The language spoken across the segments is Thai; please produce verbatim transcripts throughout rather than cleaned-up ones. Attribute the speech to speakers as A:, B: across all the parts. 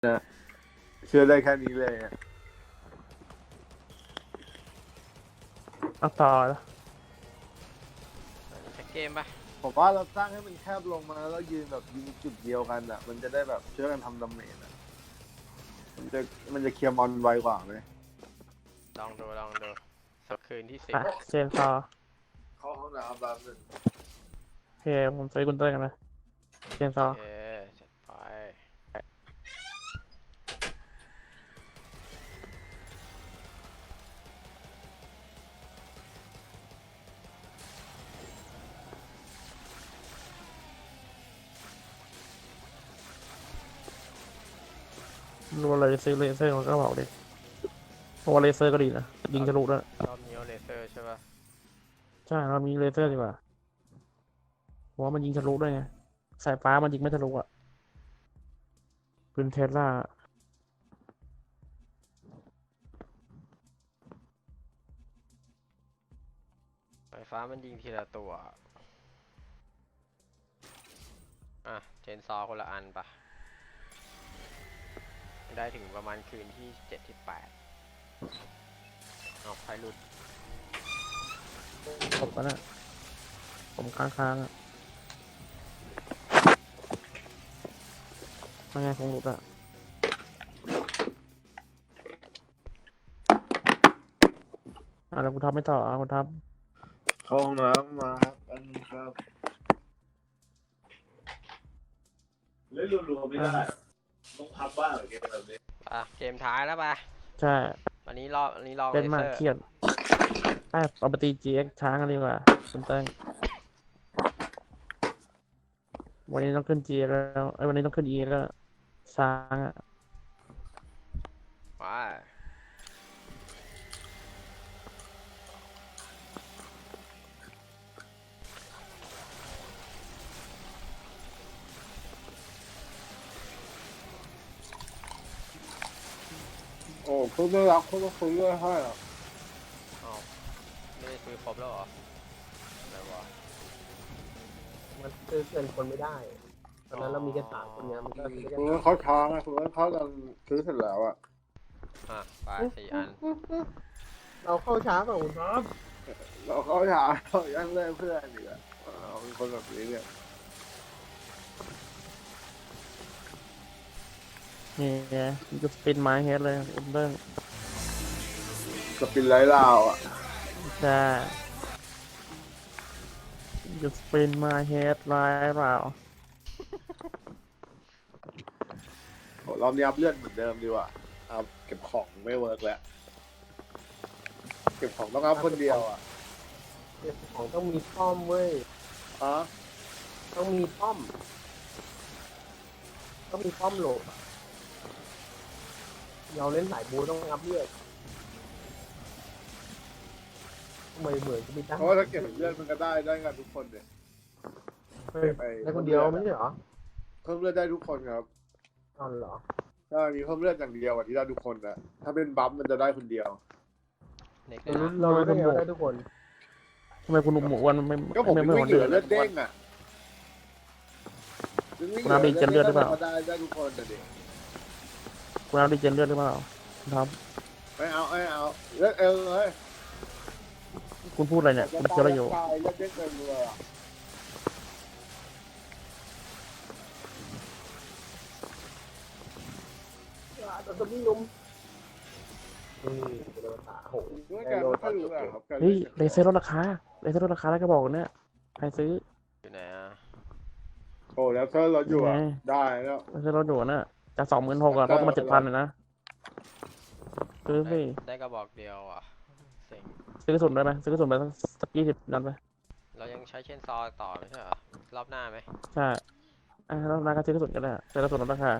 A: นะเชื่อได้แค่นี้เลยอะ
B: เอาต่อแล้ว
C: จะเกมปะ
A: ผมว่าเราสร้างให้มันแคบลงมาแล้วยืนแบบยิงจุดเดียวกันอ่ะ มันจะได้แบบช่วยกันทำดาเมจอ่ะมันจะมันจะเคลียร์มอนไวกว่าไหม
C: ลองดูลองดูสักคืนที่สิบ
B: อ่ะเชนซอ
A: เข้าห้องน้ำแป๊บนึง
B: โอเคผมซื้อกุญเตอร์กันนะเชนซอ
C: โอเคจัดไป
B: รัวเลยซื้อเลเซอร์มันก็บอกดิเพราะว่าเลเซอร์ก็ดีนะยิงทะลุด้วย
C: รอบนี้เอาเลเซอร์ใช่ปะ
B: ใช่เรามีเลเซอร์ดีกว่าเพราะว่ามันยิงทะลุด้วยไงสายฟ้ามันยิงไม่ทะลุอ่ะปืนเทสลา
C: ไฟฟ้ามันยิงทีละตัวอ่ะเจนซอคนละอันปะได้ถึงประมาณคืนที่เจ็ดที่แปดเอาไฟหลุด
B: จบแล้วนะผมค้างค้างอ่ะไม่ไงคงหลุดอ่ะอ่ะแล้วคุณทับไม่ต่ออ่ะคุณทับ
A: เข้าห้องน้ำมาครับอันนี้ครับเล่นรัวๆไม่ได้ต้องพับบ้างเกมแบบนี้
C: อ่ะเกมท้ายแล้วปะ
B: ใช่
C: วันนี้รอบวันนี้รอบเล
B: เล่น
C: เซ
B: มา
C: อก ร์
B: เครียดไอ้เอาไปตี จี เอ็กซ์ ช้างกันดีกว่าคุณเต้งวันนี้ต้องขึ้น จี เอ็กซ์ แล้วไอ้ยวันนี้ต้องขึ้น อี เอ็กซ์ แล้วช้างอ่ะ
C: ว้า
A: โอ้คุณไม่รักคุณก็คุยด้วยให้อ่ะ
C: เอาไม่ได้ซื้อครบแล้วเหรออะไรวะ
D: มันซื้อเกินคนไม่ได้ตอนนั้นเรามีแค่สามคนเนี้ยมันก็ซื้อได้
A: คุณ
D: แค่
A: ก็เขาช้าไงคุณก็เขากันซื้อเสร็จแล้วอ่ะ
C: อ่ะไปสี่อัน
D: เราเข้าช้ากว่าคุณครับ
A: เราเขาช้าเขายังเล่นเพื่อนอีกอ่ะเราเป็นคนแบบนี้เนี่ย
B: นี่ไงมันจะสปินไม้เฮดเลยคุณเต้ง
A: สปินไร้ลาวอ่ะ
B: ใช่จะสปินไม้เฮดร้ายเปล่า
A: โหรอบนี้อัพเลือดเหมือนเดิมดีกว่าอัพเก็บของไม่เวิร์กแล้วเก็บของต้องอัพคนเดียวอ่ะ
D: ของต้องมีป้อมเว้ย
A: ฮะ
D: ต้องมีป้อม ต้องมีป้อมโหลดเราเล่นสายบูต้องอัพเลือดทำไมเหมือนจะมีตั้ง
A: เพราะว่าถ้าเก็บเลือดมันก็ได้ได้กันทุกคนเนี่ย
D: เฮ้ยได้คนเดียวไม่ใช่เหรอ
A: เพิ่มเลือดได้ทุกคนครับ
D: อ๋อเหรอ
A: ถ้ามีเพิ่มเลือดอย่างเดียวอ่ะที่ได้ทุกคนนะถ้าเป็นบัฟมันจะได้คนเดียว
C: เน็ก
B: เออ
D: เราได้เดียวได้ทุกคน
B: ทำไมคุณหนุ่มหมูวันไม่
A: ก็ผม
B: ไม่
A: ไม่
B: ไม่เหมือน
A: เหลื
B: เดิ
A: อ
B: ม
A: เลือดเด้งอ่ะ
B: คุณน้ำดีเจนเลือดหรือเปล่า
A: ได้ได้ทุกคนแต่เด็ก
B: คุณเอาดิเจนเลือดหรือเปล่าครับ
A: ไม่เอาไม่เอาเลือดเอลเลย
B: คุณพูดอะไรเนี่ยคุณเจออะไรอยู่
A: ตายเลือดเด้งเต็มเลยอ่ะ
D: เราจะมีนุ่มนี่เป็นภาษาโห
A: เมื่อการไม่ค่อยรู้อะครับการ
B: เฮ้ยเลเซอร์ลดราคาเลเซอร์ลดราคาแล้วก็บอกเนี่ยใครซื้อ
C: อยู่ไหนอ่ะ
A: โอ้แล้วถ้าเราอยู่อ่ะได้แล้ว
B: เลเซอร์ลดอยู่น่ะจากสองหมื่นหกอะลดมาเจ็ดพันเลยนะซื้อ
C: ได้
B: สิ
C: ได้กระบอกเดียวอ่ะเซ็ง
B: ซื้อกระสุนได้ไหมซื้อกระสุนไปสักยี่สิบนัดไหม
C: เรายังใช้เชนซอต่อไม่ใช่เหรอรอบหน้าไหม
B: ใช่อ่ะแล้วนาก็ซื้อกระสุนกันได้ซื้อกระสุนลดราคา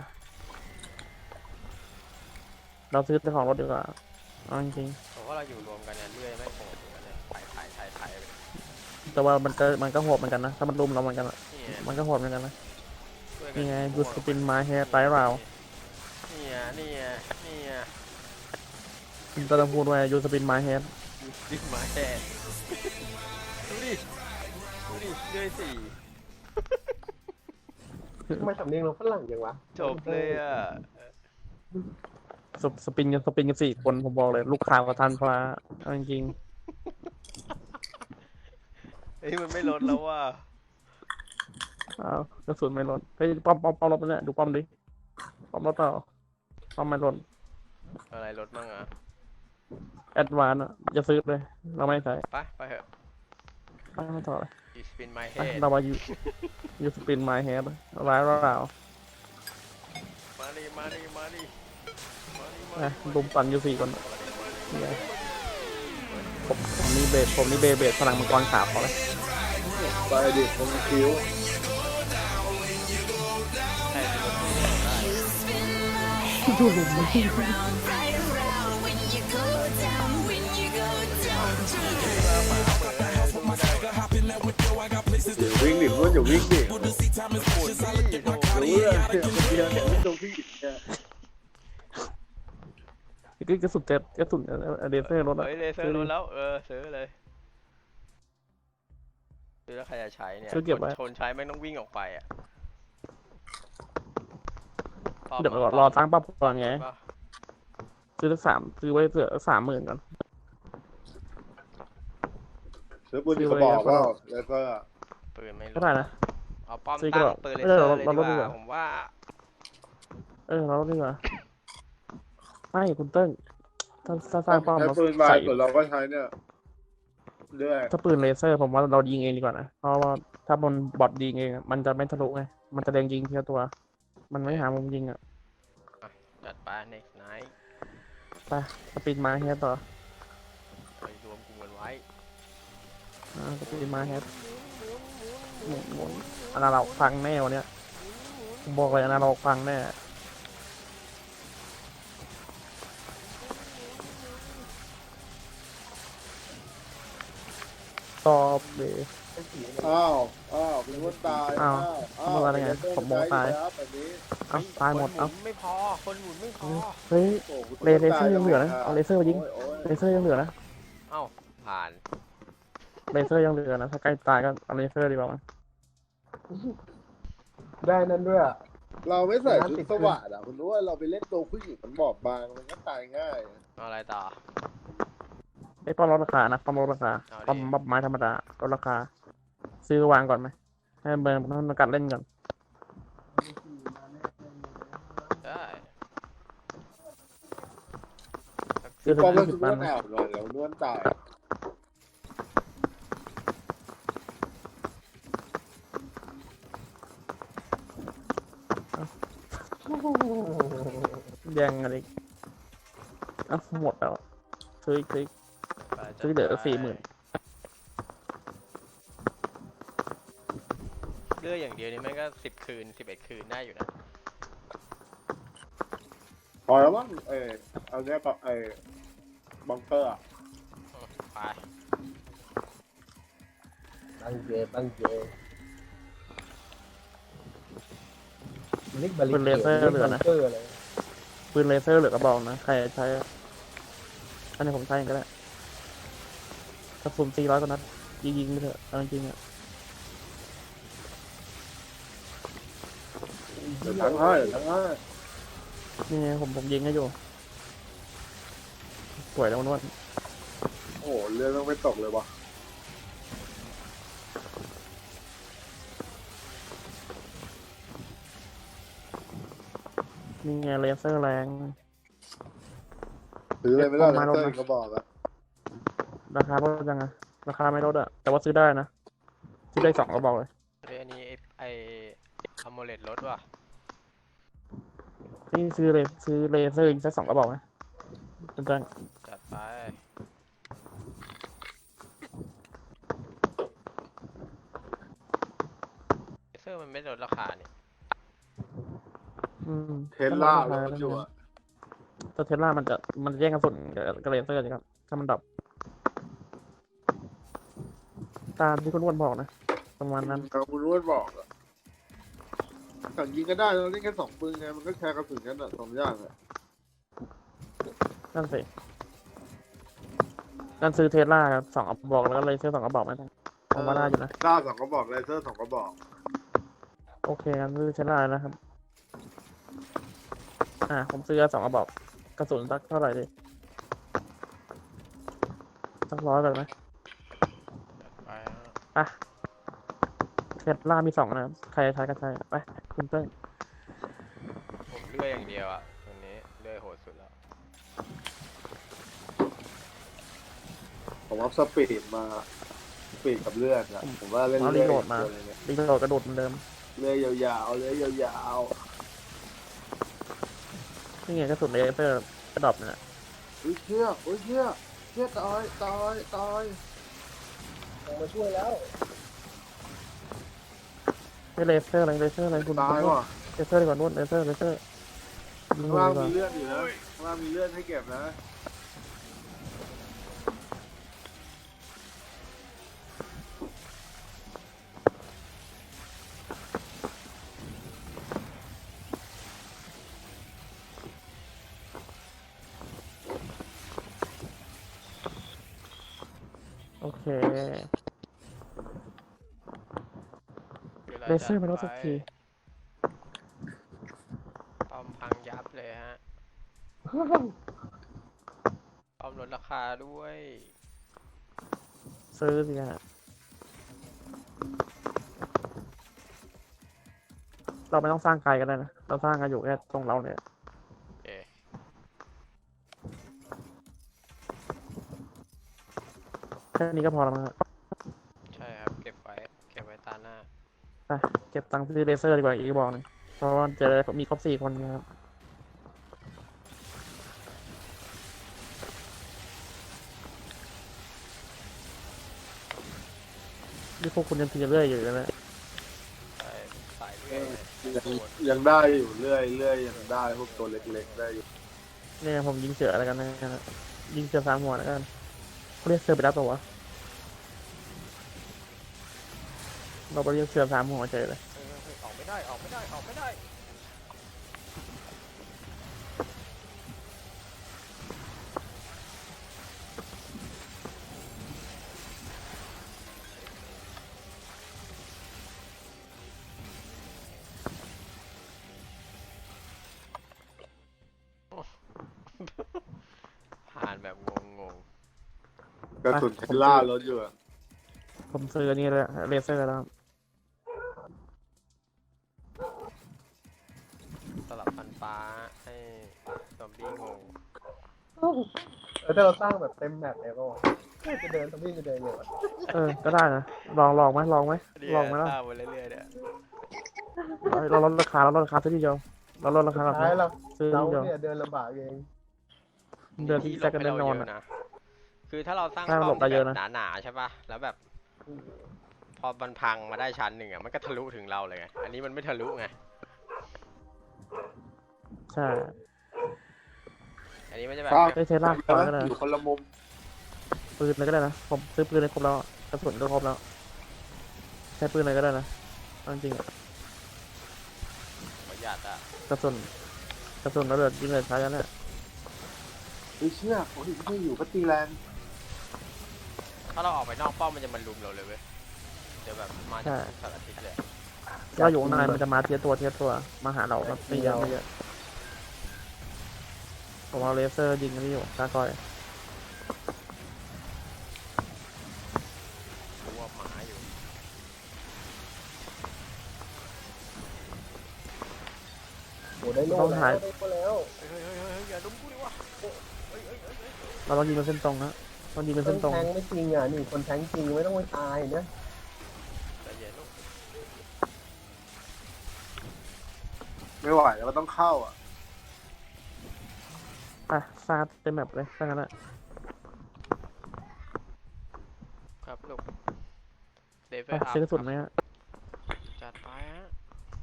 B: เราซื้อแต่ของรถดีกว่าเอาจริง
C: ผมว่าเราอยู่รวมกันเนี่ยเรื่อยไม่โหดเหมือนกันเนี่ยถ่ายถ่ายถ่ายถ่ายไป
B: ๆแต่ว่ามันก็มันก็โหดเหมือนกันนะถ้ามันรุมเราเหมือนกันอะ
C: นี่ไง
B: มันก็โหดเหมือนกันนะ
C: ช่วยกั
B: นี่ไง
C: โห
B: ยู
C: ด
B: สปินไม้แฮร์ไตราว
C: นี่ไงนี่ไงนี่ไง
B: คุณก็ต้องพูดว่ายูสปินไม้แฮร์
C: ดึงมาแค่ดูดิดูดิเรื่อยสี่
D: ทำไมสำเนียงเราฝรั่งจังวะ
C: จบเลยอ่ะ
B: สปสปินกันสปินกันสี่คนผมบอกเลย ลูกค้าประทานฟ้าเอาจริง
C: เฮ้ยมันไม่ลดแล้วว่ะ
B: ๆอ้าวกระสุนไม่ลดเฮ้ยป้อมป้อมป้อมรถไปเนี่ยดูป้อมดิป้อมรถเปล่าป้อมไม่ลด
C: อะไรลดมั่งอ่ะ
B: แอดวานอ่ะจะซื้อเลย เราไม่ใช้
C: ไปไปเถอะ
B: ไปไม่ต่อเลย
C: you spin my
B: ไป
C: head
B: เรามาอยู่ยูสปินไมเฮดร้ายเรา
C: มาดิมาดิมาดิมาดิมา
B: นะ
C: ดิ
B: ลุมปั่นอยู่สี่คนเนี่ยผมผมนี่เบสผมนี่เบสเบสพลังมังกรขาวพอเลย
A: ไปดิผมคิ้ว
C: ใช่รถที่เนี่ยได้
B: ดูลุมมัน
A: วิ่งดิเพื่อนอย่าวิ่งดิ
C: ปวดที่โดน
A: เดี๋ยวเพื่อนเนี่ยคนเดียวเนี่ยไม่ตรงพี่เนี่ย
B: คือกระสุนเจ็ดกระสุนเดเซอร์รถอะ
C: เฮ้ยเลเซอร์ลดแล้วเออซื้อเลยซื้อแล้วใครจะใช้เนี่ย
B: ซื้อเก็บไว้
C: ชนใช้ไม่ต้องวิ่งออกไปอ่ะ
B: เดี๋ยวรอตั้งปั๊บก่อนไง
C: ป่ะ
B: ซื้อสักสามซื้อไว้เผื่อสามหมื่นก่อน
A: ซื้อปืนกระบอกเปล่าแล้วก็
C: ปืนไม่ล
B: ก็
C: ด
B: ได้นะ
C: เอาป้อม
B: ซื้อ
C: ตั้ง
B: กระบอก
C: ปืนเล
B: เออ
C: เซอร์
B: เรา
C: เลย
B: เรา
C: ดี
B: ลด
C: ก
B: ดีก
C: ว่า
B: ว่า
C: ผมว่า
B: เออเราลดดีกว่าไม่คุณเติ้งถ้าถ้าสร้างป้อม
A: ใช้
B: เรา
A: ปืนวาย
B: ใส่
A: ส่วนเราก็ใช้เนี่ยเรื่อย
B: ถ้าปืนเลเซอร์ผมว่าเรายิงเองดีกว่านะเพราะว่าถ้าบนบอทยิงเองอะมันจะไม่ทะลุไงมันจะแดงยิงทีละตัว มันไม่หามุมยิงอ่ะ
C: จัดไป next night
B: ไปสปินมาเฮดต่อ
C: ไปรวมกลุ่มกันไว้
B: อ่าสปินมาเฮดหมุนหมุนอันนั้นเราฟังแน่วันเนี้ยผมบอกเลยอันนั้นเราฟังแน่ตอบเลย
A: อ้าวอ้าวเป็นคนตาย
B: อ้าว
A: อ้าว
B: เมื่อวานไงผมบอกตาย
A: ครับแบบนี้
B: เอ้าตายหมด
C: คน
B: เอ้า
C: นไม่พอ คนหมุนไม่พอ
B: เฮ้ย
A: โอ้โห
B: เลเลเซอร์ยังเหลือนะเอาเลเซอร์มายิง
A: โอ้ย
B: เลเซอร์ยังเหลือนะ
C: เอ้า ผ่าน
B: เลเซอร์ยังเหลือนะถ้าใกล้ตายก็เอาเลเซอร์ดีกว่ามั้ย
D: ได้นั่นด้วยอะ
A: เราไม่ใส่ชุดสวัสดอ่ะคุณรู้ว่าเราไปเล่นตัวผู้หญิงมันบอบบางมันก็ตายง่าย
C: เอาอะไรต่อ
B: ไอ้ป้อมลดราคานะป้อมลดราคา
C: เอาดิ
B: ป้อมบับไม้ธรรมดาลดราคา ซื้อวางก่อนไหมให้เบิร์นมันกัดเล่นก่อน
C: ได้
B: ซื้อถึง
A: ป้อมก็
B: ยี่สิ
A: คื
B: บ
A: อน
B: พั
A: วน ดแอบเลยแล้วนวดตาย
B: แย่งอะไรอีกเอ้าหมดแล้วซื้ออีกซื้ออีก
C: ไปจัด
B: ซื้อเหลือ
C: ไป
B: สี่หมื่น
C: เลือกอย่างเดียวนี่แม่งก็สิบคืนสิบเอ็ดคืนได้อยู่นะ
A: พอแล้วมั้งเออเอาเนี้ยกับไอ้บังเกอร์อะ
C: ไป
D: ตั้งเจตั้งเจเล็กบาลิเกตเล็กบังเกอร์อะไร
B: ปืนเลเซอร์เหลือกระบอกนะใครใช้อะอันนี้ผมใช้เองก็ได้กระสุนสี่ร้อยกว่านัดยิงยิงๆไปเถอะเอาจริงๆอ่ะ
A: เดี๋ยวทั้งให้เดี๋ยวทั้งให้
B: นี่ไงผมผมยิงให้อยู่สวยแล้วนวด
A: โอ้โหเรือต้องไม่ตกเลยวะ
B: นี่ไงเลเซอร์แรง
A: ซื้อเลยไม่ได้
B: เอามาลง
A: เต้
B: มา
A: นก็บอกอะ
B: ราคาลดยังไงราคาไม่ลดอะแต่ว่าซื้อได้นะซื้อได้สองกระบอกเลย
C: เฮ้ยอันนี้ไอ้ไออะโมเลตลดว่ะ
B: นี่ซื้อเลยซื้อเลเซอร์อีกสักสองกระบอกไหมเป็นจัง
C: จัดไปเลเซอร์มันไม่ลดราคาเนี่ย
B: อืม
A: เทสลา
B: ก็
A: แล้ว
B: ลด
A: มัน
B: รา
A: อยู่
B: คา
A: อะ
B: แต่เทสลามันจะมันจะแย่งกระสุนกับกับเลเซอร์สิครับถ้ามันดับ ตามที่คุณอ้วนบอกนะประมาณนั้น
A: ครับคุณรู้บอกอะสั่งยิงก็ได้เราเล่นแค่สองปืนไงมันก็แชร์กระสุนกันอะสองอย่างอะ
B: นั่นสินั่นซื้อเทสลาครับสองกระบอกแล้วก็เลเซอร์สองกระบอกไหมผมว่าได้อยู่นะ
A: ล่าสองกระบอกเลเซอร์สองกระบอก
B: โอเคงั้นซื้อเทสลานะครับอ่าผมซื้อสองกระบอกกระสุนสักเท่าไหร่ดิสักร้อยแบบไหม
C: จัดไปฮะ
B: อ่ะเทสลามีสองนะใครใช้ก็ใช้ไปคุณเติ้ง
C: ผมเลื่อยอย่างเดียวอะวันนี้เลื่อยโหดสุดแล้ว
A: ผมเอาสปีดมาสปีดกับเลือดอะผมว่าเล่น
B: เอา
A: เลื
B: รี
A: อด
B: โหลดมา
A: ตัวเลยเนี่ย
B: รีโหลดกระโดดเหมือนเดิม
A: เลือดยาวๆเลือดยาว
B: นี่ไงกระสุนเลเซอร์กระดอบเนี่ย
A: ๆอุ้ยเชี่ยอุ้ยเชี่ยเชี่ยตายตายตาย
D: ลงมาช่วยแล้ว
B: ไม่เลเซอร์อะไรเลเซอร์อะไรคุณ
A: ตาย
B: คุณ
A: ว่ะ
B: เลเซอร์ดีกว่านู่นเลเซอร์เลเซอร์ยิง
A: ข้าง
B: เล
A: ล่าง
B: ยดีกว่า
A: มีเลือดอยู่นะข้างล่างมีเลือดให้เก็บนะ
B: โอเค
C: วลา
B: เลเซอร์
C: จัด
B: มาแล้วสักที
C: ป้อมพังยับเลยฮะป้อมลดราคาด้วย
B: ซื้อสิฮะเราไม่ต้องสร้างไกลกันเลยนะเราสร้างกันอยู่แค่ตรงเราเนี่ย
C: เอ๊ะ
B: แค่นี้ก็พอแล้วมั้งฮะ
C: ใช่ครับเก็บไว้เก็บไว้ตาหน้า
B: ไปเก็บตังค์ซื้อเลเซอร์ดีกว่าอีกกระบอกหนึงเพราะว่าจะได้มีครบสี่คนนะครับนี่พวกคุณยังตีเรื่อยอยู่เลยนะ
C: ใช่สายเลื่อยเลย
A: ยัง
C: โหด
A: ยังได้อยู่เรื่อยเรื่อยยังได้พวกตัวเล็กๆได้อยู่
B: เนี่ยผมยิงเสืออะไรกันนะยิงเสือสามหัวแล้วกันเขาเรียกเสือไปแล้วตัววะเราไปเรียกเสือสามหัวเฉยเลย
C: เฮ้ยเฮ้ยเฮ้ยออกไม่ได้ออกไม่ได้ออกไม่ได้ผ่านแบบงง
A: กระสุนเทสล่ารถอยู่อะ
B: ผมซื้ออันนี่เลยเลเซอร์แล้วครับ
C: ๆสลับฟันฟ้าให้ซอมบี้งง
D: แล้วถ้าเราสร้างแบบเต็มแมปเนี่ยก็จะเดินทำวิ่งจะเดินเลยวะ
B: เออก็ได้นะลองลองไหมลองไหมลองไหมล่ะ
C: ตามไปเรื่อยๆเนี่ย
B: เราลดราคาเราลดราคาซื้อทีเดียวเราลดราคาแบบ
D: ท้ายเรา
B: ซื้อ
D: เรา
B: ทีเดียว
D: เนี่ยเดินลำบากเอง
B: เดินที่แซกกันแน่นอน
C: ที่หลบให้เราเย
B: อะ
C: อะนะคือถ้าเราสร้าง
B: ใช่
C: ป้อ
B: หล
C: ม
B: บได้
C: ที่
B: เยอะ
C: แบบ
B: นะ
C: หนาๆใช่ป่ะแล้วแบบ พอมันพังมาได้ชั้นหนึ่งอ่ะมันก็ทะลุถึงเราเลยไงอันนี้มันไม่ทะลุไง
B: ใช่
C: อันนี้มันจะแบบ
A: ครับ
B: ไอ้เทสลาก่อนก็ได้
A: อยู่คนละมุม
B: ปืนเลยก็ได้นะผมซื้อปืนเลยครบแล้วกระสุนก็ครบแล้วใช้ปืนเลยก็ได้นะเอาจริงๆอะ
C: ประหยัดอ่ะ
B: กระสุนกระสุนระเบิดยิงเลยใช้กันเนี่ย
A: เฮ้ยเชื่อโอ้ยไม่อยู่ก็ตีแรง
C: ถ้าเราออกไปนอกป้อมมันจะมันลุมเราเลยเว้ยเดี๋ยวแบบมาจากทุกสารทิศเลย
B: เราอยู่ข้างในมันจะมาเทียตัวเทียตัวมาหาเราแบบไม่เยอะไม่เยอะผมเอาเลเซอร์ยิงกันที่อยู่ตาคอย
C: รู้ว่าหมาอยู่
D: โอ้ได้โล่แล้วได้โล่แล้ว
C: เฮ้ยเฮ้ยเฮ้ยเฮ้ยอย่าลุมกูดิวะเฮ้ยเฮ้ยเฮ้ยเฮ้ย
B: เราต้องยิงเป็นเส้นตรงนะต้องยิงเป็น
D: ค
B: เส้
D: น
B: นตรง
D: แทงไม่จริงอ่ะนี่คนแทงจริงไม่ต้องไปตายนะ
C: ใจเย็นลูก
A: ไม่ไหวแล้วก็ต้องเข้าอ่ะ
B: อ่ะซาดเต็มแบบเลยถ้างั้นอะ
C: ครับลูกเลเว
B: ไป
C: ลอัพ
B: ซื้อกระสุนไหมฮะ
C: จัดไปฮะ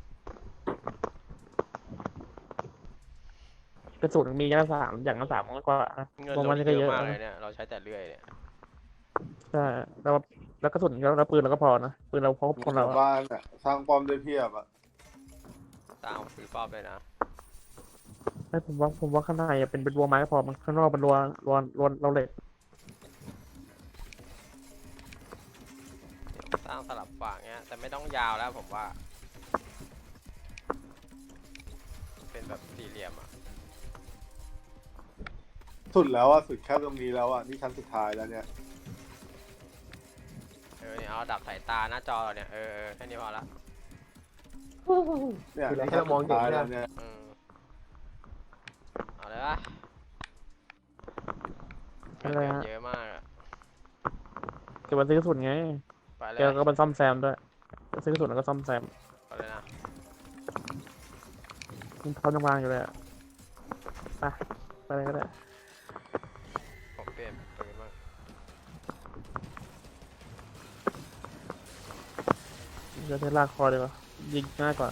B: กระสุนมีอย่างละสามอย่างละสามมากกว่านะ
C: เงิน
B: รวม
C: เรา
B: มัน
C: เย
B: ก็เย
C: อะ
B: อะ
C: มากเล
B: นะ
C: ยเนี่ยเราใช้แต่เลื่อยเนี่ย
B: ใช่แล้วแล้วกระสุนแล้วแล้วปืนเราก็พอนะปืนเราพกคนเรา
A: ชาว
B: อะ
A: บ้านอ่ะสร้างป้อมได้เพียบอ่ะ
C: ตามฝีป้อมเลยนะ
B: ไม่ผมว่าผมว่าข้างในอะเป็นเป็นรัวไม้ก็พอมันข้างนอกเป็นรัวรัวรัวเราเหล็ก
C: สร้างสลับฝั่งเนี้ยแต่ไม่ต้องยาวแล้วผมว่า เป็นแบบสี่เหลี่ยมอ่ะ
A: สุดแล้วอ่ะสุดแค่ตรงนี้แล้วอ่ะนี่ชั้นสุดท้ายแล้วเนี่ย
C: เออเนี่ยเอาดับสายตาหน้าจอเราเนี่ยเออเออแค่นี้พอละ
A: เนี่ย
D: คืออะไร
A: นี่
D: ให้
A: ชั้น
D: เราม
A: สุ
D: อง
A: ด
D: เห็น
A: ท้าย
D: เนี่
A: แล้
D: ยว
A: เนี่ย
C: อืมเอาเลยปะ
B: อะไรฮะ
C: เยอะมากอะ
B: เก็บมาซื้อกระสุนไง
C: ไปเล
B: แก
C: ย
B: ก็ไปซ่อมแซมด้วยซื้อกระสุนแล้วก็ซ่อมแซม
C: ไปเลยนะ
B: มันเขายังวางอยู่เลยอะไปไปเลยก็ได้
C: ผมเปลี่ยนปืนบ้าง
B: เดี๋ยวใช้ลากคอดีกว่ายิงง่ายกว่า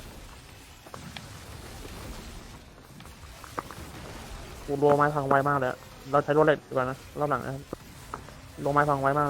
B: กูรัวไม้พังไวมากเลยอะเราใช้รถเหล็กดีกว่านะรอบหลังนะครับลงไม้พังไวมากเลย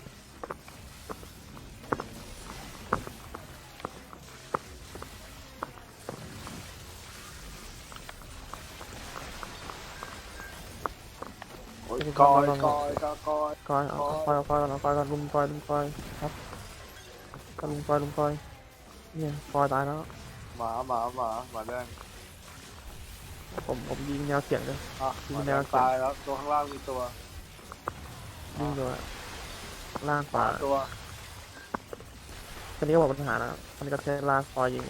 A: โอ้ยกอยกอยกอยกอย
B: ก้อยเอาก้อยเอาก้อยก่อนเอาก้อยก่อนลุมก้อยลุมก้อยครับก็ลุมก้อยลุมก้อยเนี่ยก้อยตายแล้ว
A: หมาหมาหมาหมาแดง
B: ผมผมยิงแนวเสียงเลย
A: อ่ะหมาแดงตายแล้วตัวข้างล่างมีตัว
B: ยิงเลยล่างข
A: ห
B: วา
A: มาตัว
B: คันนี้ก็บอกปัญหานะคันนี้ก็ใช้ลากคอยยิง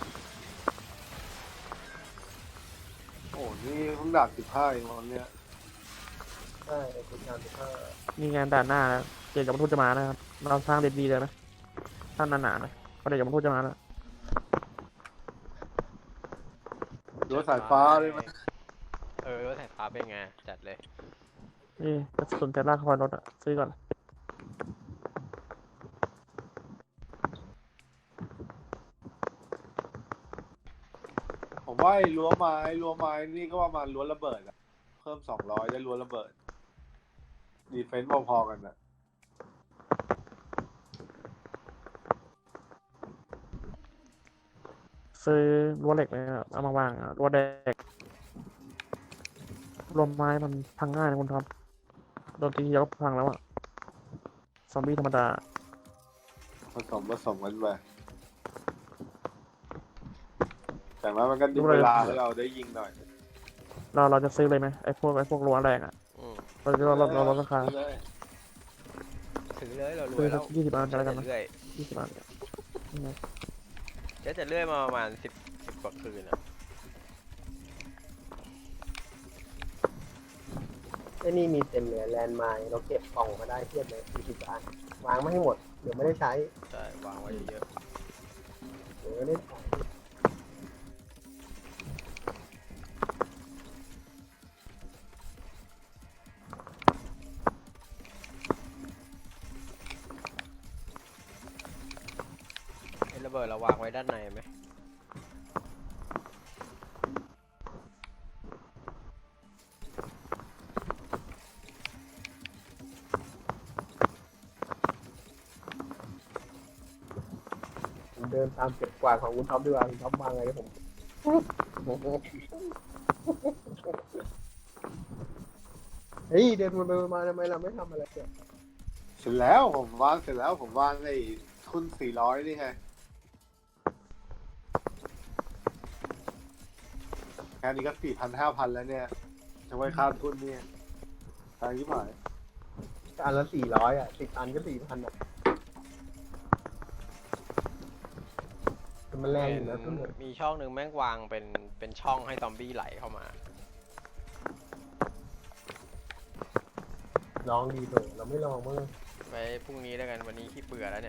A: โอ้นี่เพิ่งดาบสิบห้าเองวันเนี้ย
D: ใช่คุณงานสิบห้า
B: มีงานด่านหน้านะเกียรติกับมนุษย์จะมานะครับเราสร้างเด็ดดีเลยนะท่านหนาๆนะเพราะเดี๋ยวกับมนุษย์จะมาแล้ว
A: รั้วสายฟ้าเลยไหม
C: เออรถสายฟ้าเป็นไงจัดเลย
B: นี่กระสุนแต่ลากคอยรถอะซื้อก่อน
A: ผมว่าไอ้รั้วไม้รั้วไม้นี่ก็ประมาณรั้วระเบิดอะเพิ่มสองร้อยได้รั้วระเบิดดีเฟนซ์พอๆกันอะ
B: ซื้อรั้วเหล็กเลยอะเอามาวางอะรั้วแดกรวมไม้มันพังง่ายนะคุณท็อปโดนตีเดียวก็พังแล้วอะซอมบี้ธรรมดา
A: ผสมผสมกันไปแต่ว่ามันก็ดึงเวลาให้เราได้ยิงหน่อย
B: เราเราจะซื้อเลยไหมไอ้พวกไอ้พวกรั้วแรงอะ
C: อืม
B: เราจะเราเราลดราคา
A: เลย
C: ถือเลยเรารว
B: ซื้
C: ย
B: อ
C: แล้
B: สั
C: ว
B: กยี่สิบอันกันแล้วกันนะ
C: เรื่อย
B: ยี่สิบอันนี่ไง
C: เจ๊จะเลื่อยมาประมาณสิบสิบกว่าคืนอะ
D: ไอ้นี่มีเต็มเลยแลนด์ไมล์เราเก็บกล่องมาได้เทียบเลยสี่สิบอันวางไม่ให้หมดเดี๋ยวไม่ได้ใช้
C: ใช่วางไว้เยอะ
D: เดี๋ยวไม่ได้ใช้
C: ๆไอ้ระเบิดเราวางไว้ด้านในไหม
D: ผมเดินตามเก็บกวาดของคุณท็อปดีกว่าคุณท็อปวางไงผมเฮ้ยเดินมาเดินมาทำไมเราไม่ทำอะไรเนี่ย
A: เสร็จแล้วผมวางเสร็จแล้วผมวางไอ้ทุนสี่ร้อยนี่ไงแค่นี้ก็สี่พันห้าพันแล้วเนี่ยจะไว้ค่าทุนเนี่ยทางยี่หมาย
D: อันละสี่ร้อยอ่ะสิบอันก็สี่พันอ่ะแต่มันแรงอยู่นะทุนเนี่ย
C: มีช่องหนึ่งแม่งวางเป็นเป็นช่องให้ซอมบี้ไหลเข้ามา
D: ลองดีโถเราไม่ลองมั้ง
C: ไปพรุ่งนี้แล้วกันวันนี้ขี้เบื่อแล้วเนี่ย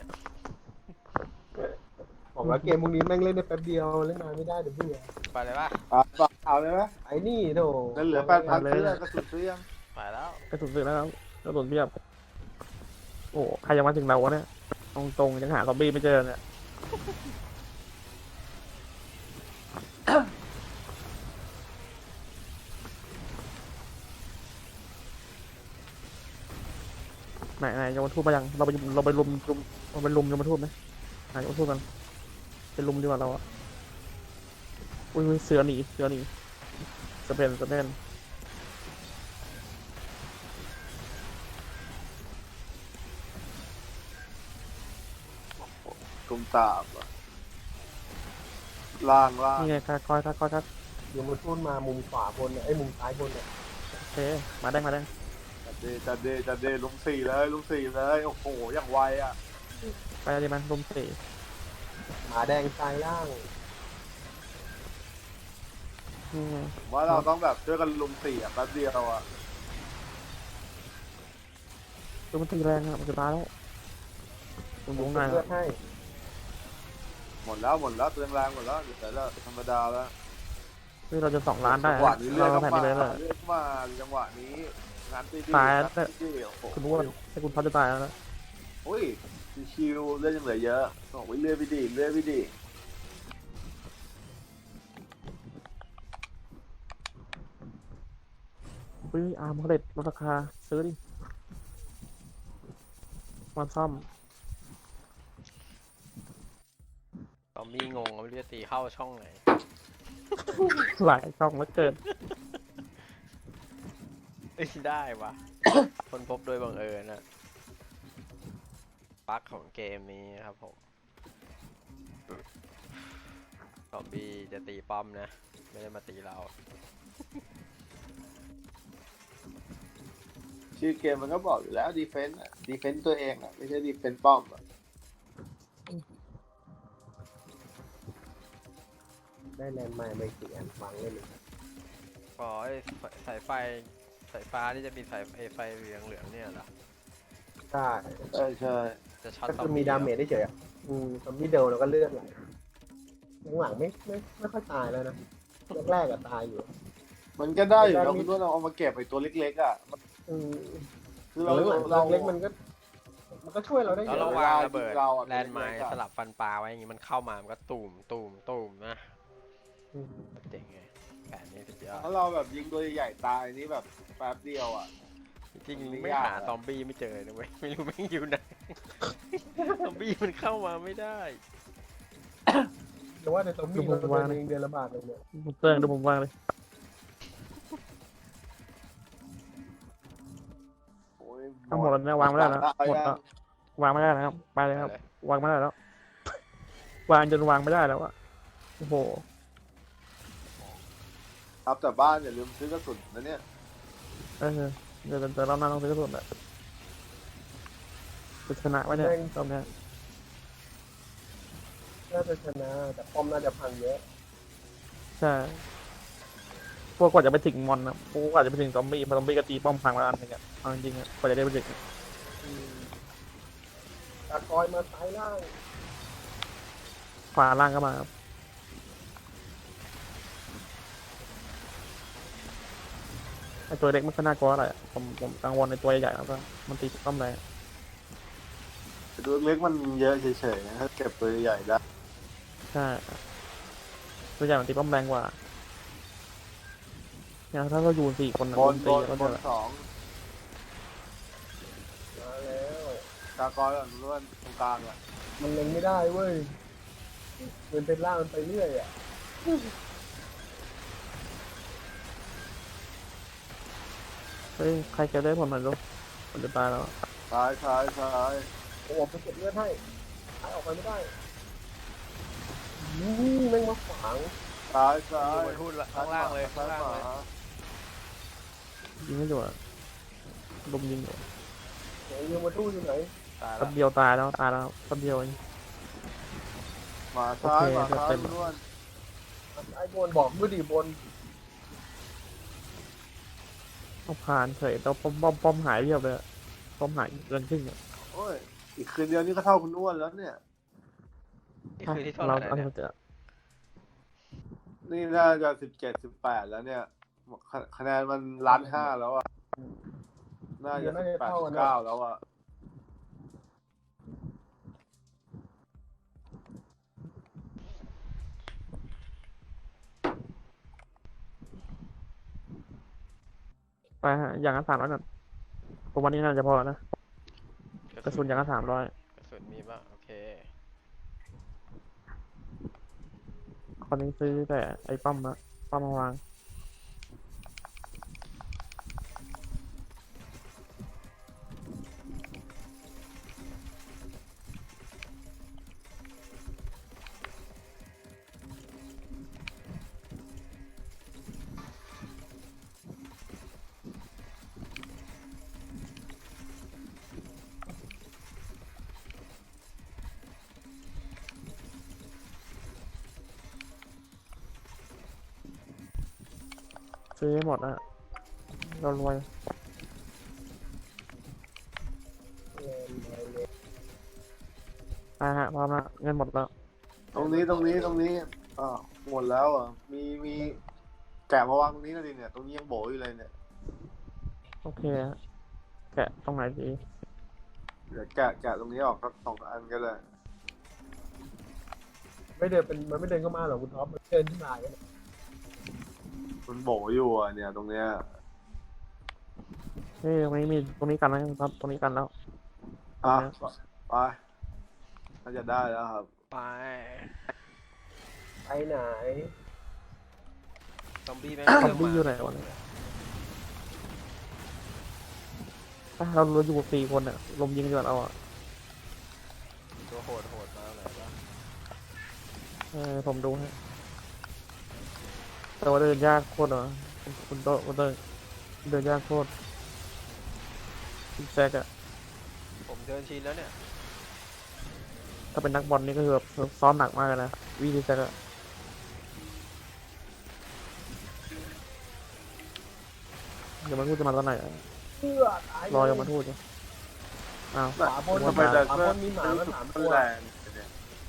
D: บอกว่าเกมพวกนี้แม่งเล่นได้แป๊บเดียวเล่นนานไม่ได้เดี๋ยวเบื่อ
C: ไปเลยปะ
A: เอาเอาเลยไหม
D: ไอ้นี่โถ
A: นั่นเหลือแปดพันซื้อกระสุนซื้อยัง
C: ไปแล้ว
B: กระสุนซื้อแล้วครับกระสุนเพียบโอ้ใครยังมาถึงเราวะเนี่ยตรงตรงๆยังหาซอมบี้ไม่เจอเนี่ยไหนไหนยมทูตมายังเราไปเราไปลุมลุมเราไปลุมยมทูตไหมไหนยมทูตกันไปลุมดีกว่าเราอะอุ้ยอุ้ยเสือหนีเสือหนีสเปนสเปน
A: กุมตาบอะล่างล่าง
B: นี่ไงค่าคอยค่าคอยค่า
D: เดี๋ยวมันทุ่นมามุมขวาบนเนี่ยไอ้ยมุมซ้ายบนเนี่ย
B: เคมาได้มาได้
A: จัดเดจัดเดจัดเดลุงสี่เลยลุงสี่เลยโอ้โหอย่างไวอ่ะ
B: ไปเลยมันลุมสี่
D: หมาแดงซ้ายล่าง
B: อืม
A: ผมว่าเราต้องแบบช่วยกันลุงสี่อ่ะแป๊บเดียวอ่ะ
B: ดูมันตีแรงอะมันจะตายแล้วลุมวงใน
D: เลือ
B: อะ
D: ดให้
A: หมดแล้วหมดแล้วเตือนแรงหมดแล้วแต่ละธรรมดาแล้ว
B: เฮ้ยเราจะสองล้านได้
A: จังหวะ
B: นะ
A: นี้เลือ
B: เรา
A: ดเข้า
B: แผ่น
A: มา
B: นี้เลยเลย
A: เลือดเข้ามาจังหวะนี้งานตีดี
B: ตาย
A: ง
B: แล้ว
A: นตีดีโอ้โห
B: คุณรู้ว่าให้คุณพัดจะตายแล้วนะ
A: โอ้ยชิวๆเลือดยังเหลือเยอะบอกว่าเลือดไปดีเลือดไปดี
B: เฮ้ยอาร์มเขาเด็ดลดราคาซื้อดิมาซ่อม
C: ซอมบี้งงไม่รู้จะตีเข้าช่องไหน
B: หลายช่องแล้วเกิน
C: เอ้ยได้วะ คนพบโดยบังเอิญนะบั๊กของเกมนี้ครับผมซอมบี้จะตีป้อมนะ ไม่ได้มาตีเรา
A: ชื่อเกมมันก็บอกอยู่แล้วดีเฟนต์อ่ะดีเฟนต์ตัวเองอ่ะไม่ใช่ดีเฟนต์ป้อมอ่ะ
D: ได้แลนด์ไมล์ไปสี่อันฟังเลยเลย
C: อ๋อไอ้สายไฟสายฟ้าที่จะมีสายไอ้ไฟเหลืองเหลืองๆเนี่ยเหรอ
D: ใช่
A: ใช่ใช่
C: จะช็อต
D: ก็
C: ซอ
D: คือ
C: ม
D: มี
C: บี้
D: ดาเมจได้เฉยๆอ่ะอืมซอมบี้เดินแล้วก็เลือดไหลหลังๆไม่ไม่ไม่ค่อยตายแล้วนะแรกๆอะตายอยู่
A: มันก็ได้อยู่แล้วคุณว่าเราเอามาเก็บไอ้ตัวเล็กๆอ่ะมัน
D: อืม
A: คือเรา
D: หลังๆ
A: เรา
D: เล็กๆมันก็ มันก็ช่วยเราได้เย
C: แล้ว
D: อะ
C: เราวางระเบิด
A: เราอะ
C: แลนด์ไมล์สลับฟันปลาไว้อย่างงี้มันเข้ามามันก็ตุ่มตุ่มตุ่มนะ
D: อืม
C: เจ๋งไงแผนนี้สุดยอด
A: ถ้าเราแบบยิงตัวใหญ่ๆตายนี่แบบแป๊บเดียวอ่ะ
C: จริง
A: มัน
C: ๆ
A: ไม่
C: ไม่
A: ยาก
C: หา
A: อะ
C: ซอมบี้ไม่เจอนะเว้ยไม่รู้แม่งอยู่ไหน ซอมบี้มันเข้ามาไม่ได้
D: แต่ว่าในซอมบี้เราตัวเองเดือนละบาทเลยเนี่ย
B: เตือนดูผมวางเลย
A: โอ้ย
B: ทั้งหมดแล้วเนี่ยวางไม่ได้แล้วหมดแล้ววางไม่ได้แล้วครับไปเลยครับ
C: ไปเลย
B: วางไม่ได้แล้ว วางจนวางไม่ได้แล้วอะโอ้โห
A: ครับแต่บ้านอย่าลืมซื้อกระสุนนะเนี่ย
B: เออเดี๋ยวเดี๋ยวเราหน้าต้องซื้อกระสุนแหละจะชนะไว้เนี่ยตอนเนี้ย
D: น่าจะชนะแต่ป้อมน่าจะพังเยอะ
B: ใช่พวกกว่าจะไปถึงมอนนะพวกกว่าจะไปถึงซอมบี้พอซอมบี้ก็ตีป้อมพังแล้วอันนึงอะเอาจริงๆอะกว่าจะได้ไปถึง
D: อืมตะกอยมาซ้ายล่าง
B: ขวาล่างก็มาครับไอตัวเล็กมันก็น่ากลัวอะไรอะผมผมกังวลในตัวใหญ่ๆแล้วก็มันตีป้อมแรง
A: ตัวเล็กมันเยอะเฉยๆนะถ้าเก็บตัวใหญ่ได้
B: ใช่ตัวใหญ่มันตีป้อมแรงกว่าเนี่ยถ้าเราอยู่สี่คนนะ
A: บน
B: ตี
A: บน
B: แล้ว
A: บ
B: เดี๋ย
A: น
B: ว
A: สอง
D: มาแล้ว
A: ตากอยก่อนล้วนตรงกลางอ่ะ
D: มันเล็งไม่ได้เว้ยมันเป็นล่างมันไปเรื่อยอ่ะ
B: เฮ้ยใครเก็บได้ผลหน่อยลูกมันจะตายแล้ว
A: ซ้ายซ้ายซ้าย
D: โอ้โหไปเก็บเลือดให้หายออกไปไม่ได้นี่แม่งมาขวาง
A: ซ้ายซ้าย
C: อยู่บนหุ้นละข้างล่างเลยข้างล่างเลย
B: ยิงไม่อยู่อะลุมยิงอยู่
D: ไหนยูมาทู่อยู่ไหน
C: ตาย
B: แป๊
C: ละ
B: บเดียวตายแล้วตายแล้วแป๊บเดียวเอง
A: มาซ้าย
B: โอเค
A: มาซ้าย
B: เต็ม
A: ล้วน
D: ไอ้บนบอกด้วยดิบน
B: เอาผ่านเฉยแต่ป้อมป้อมป้อมหายเรียบเลยอะป้อมหายเกินครึ่งอะ
A: โอ้ยอีกคืนเดียวนี่ก็เท่าคุณอ้วนแล้วเนี่ย
C: นี่คือที่เท่าไห
B: เรา
C: ร่
B: เอา
C: เนี่ย
B: เถอะ
A: นี่น่าจะสิบเจ็ดสิบแปดแล้วเนี่ยคะคะแนนมันล้านห้าแล้วอ่ะน่าจะสิบแปดสิบเก้าแล้วอ่ะ
B: ไปฮะอย่างละสามร้อยก่อนผมวันนี้น่าจะพอนะกระสุนอย่างละสามร้อย
C: กระสุนมีป่ะโอเค
B: คนนี้ซื้อแต่ไอ้ป้อมอะป้อมมาวางซื้อให้หมดอะเรารวย
D: เงินอะไรเลย
B: อ่าฮะพร้อมละเงินหมดแล้ว
A: ตรงนี้ตรงนี้ตรงนี้อ่าวหมดแล้วอ่ะมีมีแกะมาวางตรงนี้นะดิเนี่ยตรงนี้ยังโบอยู่เลยเนี่ย
B: โอเคฮะแกะตรงไหนดี
A: เดี๋ยวแกะแกะตรงนี้ออกสักสองอันก็ได้
D: ไม่เดินเป็นมันไม่เดินเข้ามาหรอกคุณท็อปมันเดินขึ้นมาอย่างเงี้ย
A: มันโบอยู่อ่ะเนี่ยตรงเนี้ย
B: เฮ้ยตรงนี้มีตรงนี้กันนะครับตรงนี้กันแล้ว
A: อ่ะไปน่าจะได้แล้วครับ
C: ไป
D: ไปไหน
C: ซอมบี้แม่ง
B: ซอ
C: เริ่
B: ม
C: ม
B: บี้
C: มา
B: อยู่ไหนวะเนี่ยอ่ะเราเราอยู่สี่คนอะลมยิงดีกว่าเราอะ
C: ตัวโหดโหดๆมาไหนวะ
B: เออผมดูฮะแต่ว่าเดินยากโคตรเหรอคุณโตคุณเดินเดินยากโคตรซิกแซกอะ
C: ผมเดินชินแล้วเนี่ย
B: ถ้าเป็นนักบอลนี่ก็คือแบบซ้อมหนักมากเลยนะวิซิกแซกอะเดี๋ยวมันพูดจะมาตอนไหนอะ
D: เพื่อตาย
B: รอยังมาพูดอยู่อ้าว
D: ขวาบน
A: ทำไมแต่
D: ขวา
A: เพื่
D: บ
A: อน
D: นมีหมามาสาม
A: มั
D: ตั
A: น
D: ว
A: แรงเนี่ย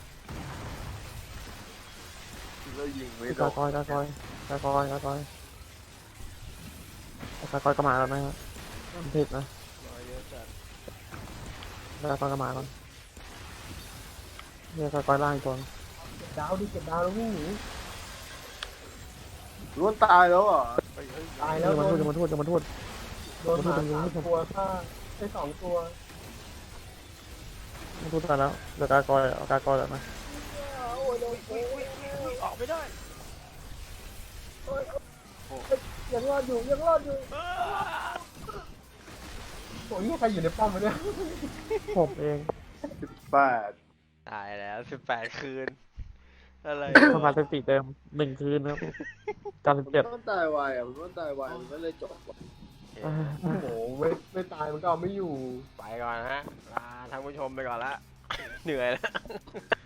A: แล้วยิงไม่โด
B: กาน กอยกากอยกากอยกากอยกากอยก็มาแล้วนะครับมันผิดนะ
C: รอยเยอะจัด
B: กากอยก็มาก่อนเนี่ยกากอยล่างอีกตัว
D: เก็บดาวดิเก็บดาวแล้ววิ่งหนี
A: รู้ว่าตายแล้วเหรอ่ะ
C: เฮ้ยเฮ้ย
D: ตาย
B: เดี๋
D: แล้
B: ยว ว
D: โด
B: มัน
D: น
B: พูดจะมันพูดจะมันพูด
D: โดนหมาสามตัวฆ่าได้สองตัว
B: มันพูดตายแล้วเดี๋ยวกากอยเอากากอยแล้วนะ
D: โอ้ยโดน
C: อุ้ยอุ้ยอุ้ยอุ้ยออกไม่ได้
D: ยังรอดอยู่ยังรอดอยู่โอ้ยนี่ใครอยู่ในป้อมวะเนี่ย
B: ผมเอง
A: สิบแปด
C: ตายแล้วสิบแปดคืน อะไร
B: ประมาณสถิติเดิมหนึ่งคืนนะครับการสิบเจ็ด
A: มันตายไวอ่ะมันตายไวมันก็เลยจบว่ะ
D: โอ้โหไม่ไม่ตายมันก็เอาไม่อยู่
C: ไปก่อนฮะลาท่านผู้ชมไปก่อนละ เหนื่อยแล้ว